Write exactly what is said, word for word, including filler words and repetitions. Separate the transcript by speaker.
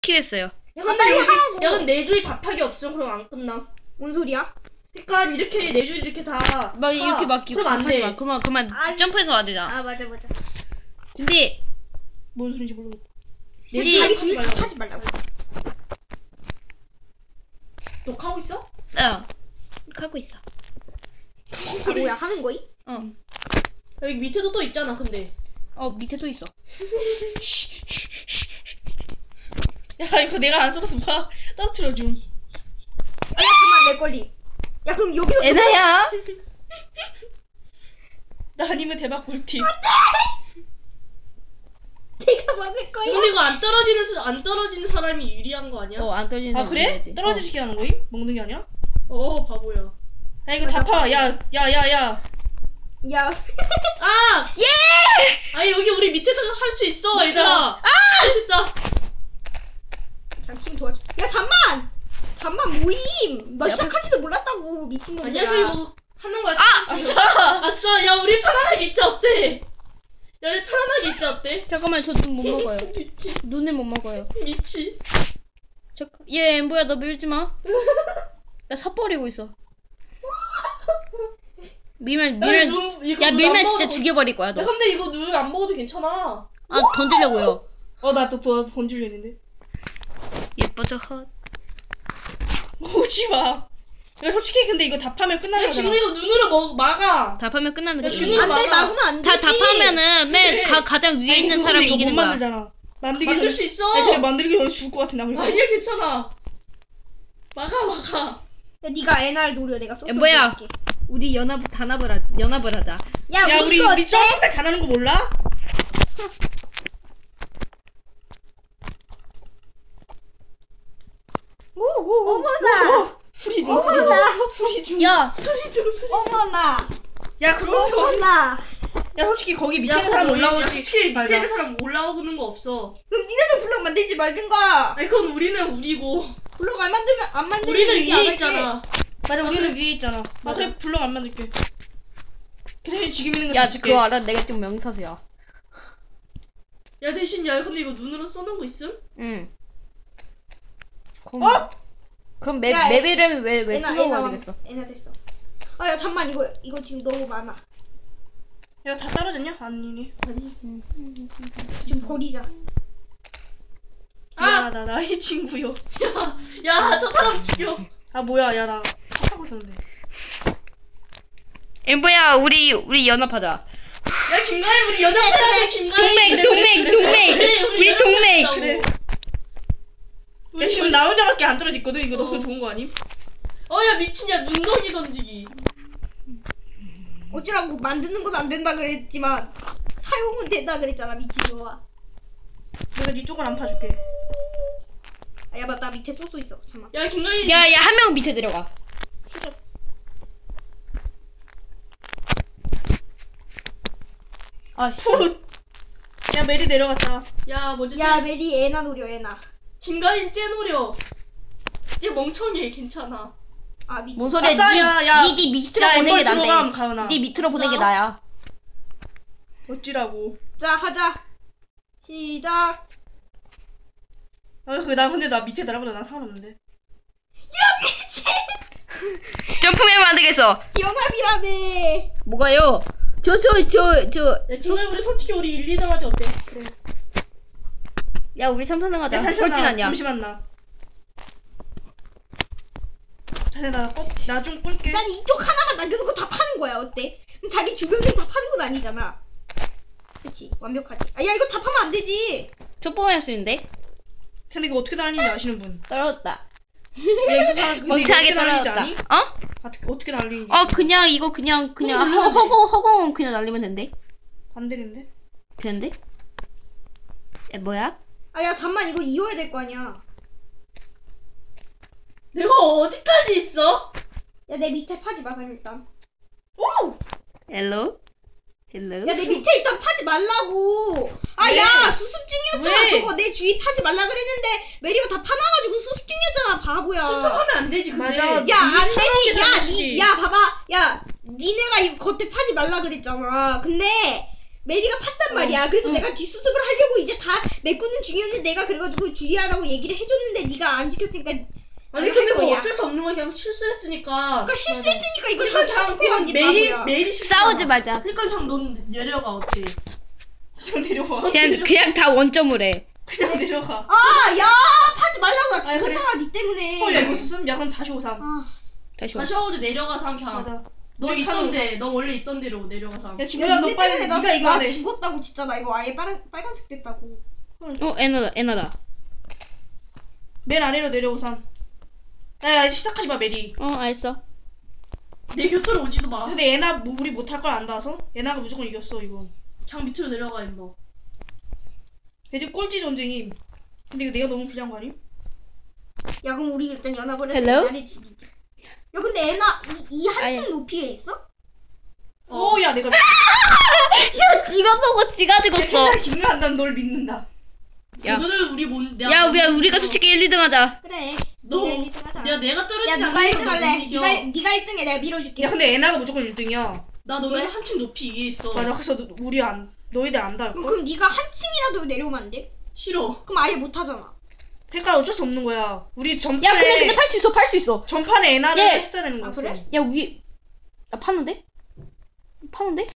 Speaker 1: 킬했어요.
Speaker 2: 야 근데
Speaker 3: 빨리
Speaker 2: 여기
Speaker 3: 하라고.
Speaker 2: 야 근데 네 줄이 다 파기 없어. 그럼 안 끝나.
Speaker 3: 뭔 소리야?
Speaker 2: 그러니까 이렇게 네 줄 이렇게 다
Speaker 1: 막 이렇게 막
Speaker 2: 그럼 안 돼.
Speaker 1: 마. 그러면 그만
Speaker 3: 아니.
Speaker 1: 점프해서 와야 되잖아.
Speaker 3: 아 맞아 맞아.
Speaker 1: 준비.
Speaker 2: 뭔 소리인지 모르겠다.
Speaker 3: 내
Speaker 1: 시-
Speaker 3: 자기 둘이 다 파지 말라고.
Speaker 2: 녹화하고 있어?
Speaker 1: 어. 하고 있어.
Speaker 3: 아 뭐야 하는 거임?
Speaker 1: 어.
Speaker 2: 여기 밑에도 또 있잖아. 근데
Speaker 1: 어 밑에 또 있어.
Speaker 2: 야 이거 내가 안 썰어서 봐. 떨어뜨려 좀.
Speaker 3: 야 잠만 내 걸리. 야 그럼 여기서
Speaker 1: 애나야.
Speaker 2: 나 아니면 대박 꿀팁.
Speaker 3: 내가 막을 거야.
Speaker 2: 근데 이거 안 떨어지는 사- 안 떨어지는 사람이 유리한 거 아니야?
Speaker 1: 어 안 떨리는
Speaker 2: 아
Speaker 1: 사람
Speaker 2: 그래?
Speaker 1: 이겨야지.
Speaker 2: 떨어지게 하는 거임? 먹는 게 아니라? 어 바보야. 야 이거 다 파. 야 야 야 야.
Speaker 3: 야
Speaker 2: 아!
Speaker 1: 예!
Speaker 2: 아 여기 우리 밑에서 할 수 있어 얘들아. 아! 됐다.
Speaker 3: 당신 도와줘. 야 잠만. 잠만 모임. 나
Speaker 1: 야,
Speaker 3: 시작하지도 몰랐다고 미친놈들아.
Speaker 2: 아니야 그리고 하는 거야.
Speaker 1: 아!
Speaker 2: 아싸! 아싸! 야 우리 편안하게 있자 어때? 야 우리 편안하게 있자 어때?
Speaker 1: 잠깐만 저 눈 못 먹어요.
Speaker 2: 미치
Speaker 1: 눈을 못 먹어요.
Speaker 2: 미치.
Speaker 1: 잠깐. 얘 엠보야 너 밀지 마. 나 삽버리고 있어. 밀면
Speaker 2: 야,
Speaker 1: 밀면
Speaker 2: 눈, 이거
Speaker 1: 야
Speaker 2: 눈
Speaker 1: 밀면
Speaker 2: 안
Speaker 1: 진짜
Speaker 2: 먹어도-
Speaker 1: 죽여버릴 거야
Speaker 2: 야
Speaker 1: 너.
Speaker 2: 근데 이거 눈 안 먹어도 괜찮아.
Speaker 1: 아 던지려고요.
Speaker 2: 어 나 또 또 던질려 했는데.
Speaker 1: 예뻐져 헛.
Speaker 2: 오지 마. 야 솔직히 근데 이거 다 파면 끝나는 거잖아. 지금 이거 눈으로 먹 막아.
Speaker 1: 답하면 끝나는
Speaker 2: 야,
Speaker 1: 게임이야.
Speaker 2: 눈으로
Speaker 3: 안돼
Speaker 2: 막아.
Speaker 3: 막으면 안
Speaker 1: 다
Speaker 3: 되지.
Speaker 1: 답하면은 맨
Speaker 2: 그래.
Speaker 1: 가, 가장 위에
Speaker 2: 아니,
Speaker 1: 있는
Speaker 2: 이거
Speaker 1: 사람이
Speaker 2: 근데 이거
Speaker 1: 이기는
Speaker 2: 못
Speaker 1: 거야.
Speaker 2: 만들잖아. 만들기 만들 전에-
Speaker 3: 수
Speaker 2: 있어. 아니, 그래 만들기 전에 죽을 것 같아 나. 아니야 괜찮아. 막아 막아.
Speaker 3: 야 네가 애날 노려 내가 소스.
Speaker 1: 엠보야. 우리 연합 단합을 하자. 연합을 하자.
Speaker 3: 야,
Speaker 2: 야
Speaker 3: 우리
Speaker 2: 우리
Speaker 3: 이거
Speaker 2: 우리
Speaker 3: 어때?
Speaker 2: 점프를 잘하는 거 몰라? 오오오.
Speaker 3: 어머나.
Speaker 2: 수리 중 수리 중
Speaker 3: 어머나.
Speaker 2: 수리 중.
Speaker 1: 야.
Speaker 2: 수리 중 수리 중.
Speaker 3: 어머나.
Speaker 2: 야 그거
Speaker 3: 어머나.
Speaker 2: 야 솔직히 거기 밑에 있는 사람 올라오지.
Speaker 4: 솔직히 밑에
Speaker 2: 말자.
Speaker 4: 있는 사람 올라오는 거 없어.
Speaker 3: 그럼 니네도 블럭 만들지 말든가.
Speaker 2: 아니 그건 우리는 우리고
Speaker 3: 블럭 안 만들면 안 만들면
Speaker 2: 우리는
Speaker 3: 얘기 안
Speaker 2: 위에
Speaker 3: 할게.
Speaker 2: 있잖아. 맞아 우리는 위에 있잖아. 아
Speaker 4: 맞아.
Speaker 2: 그래 블럭 안 만들게. 그래 지금 있는 거
Speaker 1: 야
Speaker 2: 다 줄게.
Speaker 1: 그거 알아? 내가 좀 명사수야.
Speaker 2: 야 대신 야 근데 이거 눈으로 쏘는 거 있음?
Speaker 1: 응. 그럼,
Speaker 2: 어?
Speaker 1: 그럼 맵
Speaker 3: 야,
Speaker 1: 맵 이름 왜왜
Speaker 3: 애나
Speaker 1: 슬로우가
Speaker 3: 애나
Speaker 1: 되겠어?
Speaker 3: 애나 됐어. 아 야 잠만 이거 이거 지금 너무 많아.
Speaker 2: 야 다 떨어졌냐? 아니네. 아니.
Speaker 3: 좀 버리자.
Speaker 2: 아! 나 나의 친구요. 야 저 사람 죽여. 아 뭐야 야 나 하고 있었는데.
Speaker 1: 엠보야 우리 우리 연합하자.
Speaker 2: 야 김가희 우리 연합해야 돼 김가희.
Speaker 1: 동맹
Speaker 2: 그래,
Speaker 1: 동맹
Speaker 2: 그래, 그래.
Speaker 1: 동맹.
Speaker 2: 그래,
Speaker 1: 우리 동맹.
Speaker 2: 연합하자고. 그래. 야 지금 나 혼자밖에 안 떨어졌거든. 이거 너무 좋은 거 아님? 어야 미친야 눈덩이 던지기.
Speaker 3: 어찌라고 만드는 건 안 된다 그랬지만 사용은 된다 그랬잖아 미친놈아.
Speaker 2: 내가 네 쪽은 안 파줄게.
Speaker 3: 아, 야 맞다 밑에 소스 있어. 잠만.
Speaker 2: 야 김가희.
Speaker 1: 야야 한 명 밑에 들어가.
Speaker 3: 싫어.
Speaker 1: 아씨.
Speaker 2: 야 메리 내려갔다. 야 먼저.
Speaker 3: 야 메리 애나 노려 애나.
Speaker 2: 김가희 째노려. 얘 멍청해 괜찮아.
Speaker 3: 아 미친.
Speaker 1: 뭔 소리야?
Speaker 2: 아싸, 야, 야.
Speaker 1: 니, 니 밑으로
Speaker 2: 야,
Speaker 1: 보낸 게
Speaker 2: 엠벌 들어감,
Speaker 1: 난데.
Speaker 2: 가은아.
Speaker 1: 니 밑으로 보낸 게
Speaker 2: 아싸.
Speaker 1: 나야.
Speaker 2: 어찌라고.
Speaker 3: 자 하자. 시작.
Speaker 2: 아그나 근데 나 밑에 날아보다 난 상관없는데.
Speaker 3: 야 미친.
Speaker 1: 점프맨 만들겠어.
Speaker 3: 연합이라며.
Speaker 1: 뭐가요? 저 저 저 저.
Speaker 2: 야 김가희 우리 솔직히 우리 일, 이 등 하지 어때? 그래.
Speaker 1: 야 우리 삼, 사 등 하자.
Speaker 2: 야, 잠시만,
Speaker 1: 꼴찌
Speaker 2: 나,
Speaker 1: 아니야.
Speaker 2: 잠시만 나. 자네 나나좀 꿀게.
Speaker 3: 난 이쪽 하나만 남겨두고 다 파는 거야 어때? 그럼 자기 주변에 다 파는 건 아니잖아. 그치 완벽하지. 아 야 이거 다 파면 안 되지.
Speaker 1: 첩보할 수 있는데?
Speaker 2: 근데 이거 어떻게 날리는지 아시는 분?
Speaker 1: 떨어졌다.
Speaker 2: 야 이거 다 근데 이거
Speaker 1: 멍청하게
Speaker 2: 어떻게 날리는지
Speaker 1: 떨어졌다.
Speaker 2: 아니?
Speaker 1: 어?
Speaker 2: 어떻게 어떻게 날리는지.
Speaker 1: 어 그냥 이거 그냥 그냥
Speaker 2: 어,
Speaker 1: 허,
Speaker 2: 눌러야 돼.
Speaker 1: 허공 허공은 그냥 날리면 된대.
Speaker 2: 안 되는데?
Speaker 1: 되는데? 에 뭐야?
Speaker 3: 아 야 잠만 이거 이어야 될 거 아니야.
Speaker 2: 내가 어디까지 있어?
Speaker 3: 야 내 밑에 파지 마서 일단.
Speaker 2: 오!
Speaker 1: 헬로? 헬로?
Speaker 3: 야 내 밑에 일단 파지 말라고. 아
Speaker 2: 왜?
Speaker 3: 야 수습 중이었잖아.
Speaker 2: 왜?
Speaker 3: 저거 내 주위 파지 말라 그랬는데 메리가 다 파놔가지고 수습 중이었잖아 바보야.
Speaker 2: 수습하면 안 되지 근데.
Speaker 3: 야 안 되지. 야,
Speaker 2: 상관없지.
Speaker 3: 니, 야 봐봐. 야 니네가 이거 겉에 파지 말라 그랬잖아. 근데 메리가 팠단
Speaker 2: 어.
Speaker 3: 말이야. 그래서
Speaker 1: 응.
Speaker 3: 내가 뒷수습을 하려고 이제 다 메꾸는 중이었는데 내가 그래가지고 주의하라고 얘기를 해줬는데 네가 안 지켰으니까
Speaker 2: 아니
Speaker 3: 할
Speaker 2: 근데 그거
Speaker 3: 거야.
Speaker 2: 어쩔 수 없는 거야. 그냥 실수했으니까.
Speaker 3: 그러니까 실수했으니까 이걸
Speaker 2: 그러니까 그냥
Speaker 3: 수습해야지
Speaker 2: 그건 메일이
Speaker 3: 바보야.
Speaker 2: 메일이 실수.
Speaker 1: 싸우지 말자.
Speaker 2: 그러니까 그냥 넌 내려가 어때? 그냥 내려와.
Speaker 1: 그냥 그냥 다 원점을 해.
Speaker 2: 그냥 내려가.
Speaker 3: 아, 야, 파지 말라고. 나
Speaker 2: 아니, 그래.
Speaker 3: 죽었잖아, 니 때문에.
Speaker 2: 헐, 야 이거 쓰면 야 그럼 다시 오삼.
Speaker 3: 아,
Speaker 1: 다시 와.
Speaker 4: 다시 하우드 내려가서 한 그냥.
Speaker 2: 맞아.
Speaker 4: 너
Speaker 2: 우리
Speaker 4: 있던
Speaker 2: 하는
Speaker 4: 데, 너 원래 있던 데로 내려가서 한.
Speaker 2: 야
Speaker 3: 야,
Speaker 2: 김구야 너
Speaker 3: 니네
Speaker 2: 빨리
Speaker 3: 때문에 나,
Speaker 2: 네가 이거
Speaker 3: 나
Speaker 2: 안 해.
Speaker 3: 죽었다고 진짜. 나 이거 아예 빨간, 빨간색 됐다고.
Speaker 1: 어 에나다 에나다.
Speaker 2: 맨 아래로 내려오삼. 야, 야 시작하지 마 메리.
Speaker 1: 어 알았어.
Speaker 4: 내 곁으로 오지도 마.
Speaker 2: 근데 애나 뭐 우리 못할 걸 안다서? 애나가 무조건 이겼어 이거.
Speaker 4: 그냥 밑으로 내려가 임마.
Speaker 2: 요즘 꼴찌 전쟁임. 근데 이거 내가 너무 불리한 거 아님?
Speaker 3: 야, 그럼 우리 일단 연합을 해서
Speaker 1: Hello?
Speaker 3: 에나를 죽이자. 야, 근데 에나, 이, 이 한층
Speaker 1: 아니.
Speaker 3: 높이에 있어?
Speaker 2: 어, 야 내가
Speaker 1: 야 지가 보고 지가 죽었어.
Speaker 2: 진짜 김구야 한다면 널 믿는다.
Speaker 1: 야.
Speaker 4: 너들 우리 뭔 내가
Speaker 1: 야
Speaker 4: 뭔-
Speaker 1: 우리가 우리가 솔직히 일, 이 등 하자.
Speaker 3: 그래.
Speaker 4: 너
Speaker 3: 네가 일 등 하자.
Speaker 4: 내가 내가
Speaker 3: 야,
Speaker 4: 떨어지지
Speaker 3: 누가
Speaker 4: 않는
Speaker 3: 일 등 할래?
Speaker 4: 못 이겨.
Speaker 3: 니가, 니가 일 등해. 내가 밀어줄게.
Speaker 2: 야 근데 애나가 무조건 일 등이야.
Speaker 4: 나 너네 한층 높이 위에 있어.
Speaker 2: 맞아. 그래서 너- 우리 안 너희들 안다 할
Speaker 3: 그럼,
Speaker 2: 걸.
Speaker 3: 그럼 니가 한 층이라도 내려오면 안 돼?
Speaker 4: 싫어.
Speaker 3: 그럼 아예 못 하잖아.
Speaker 2: 그러니까 어쩔 수 없는 거야. 우리
Speaker 1: 야
Speaker 2: 전판에
Speaker 1: 근데 근데 팔 수 있어 팔 수 있어.
Speaker 2: 전판에 애나를
Speaker 1: 예.
Speaker 2: 했어야 되는
Speaker 3: 아,
Speaker 2: 거였어.
Speaker 3: 그래?
Speaker 1: 야 위. 나 파는데? 파는데?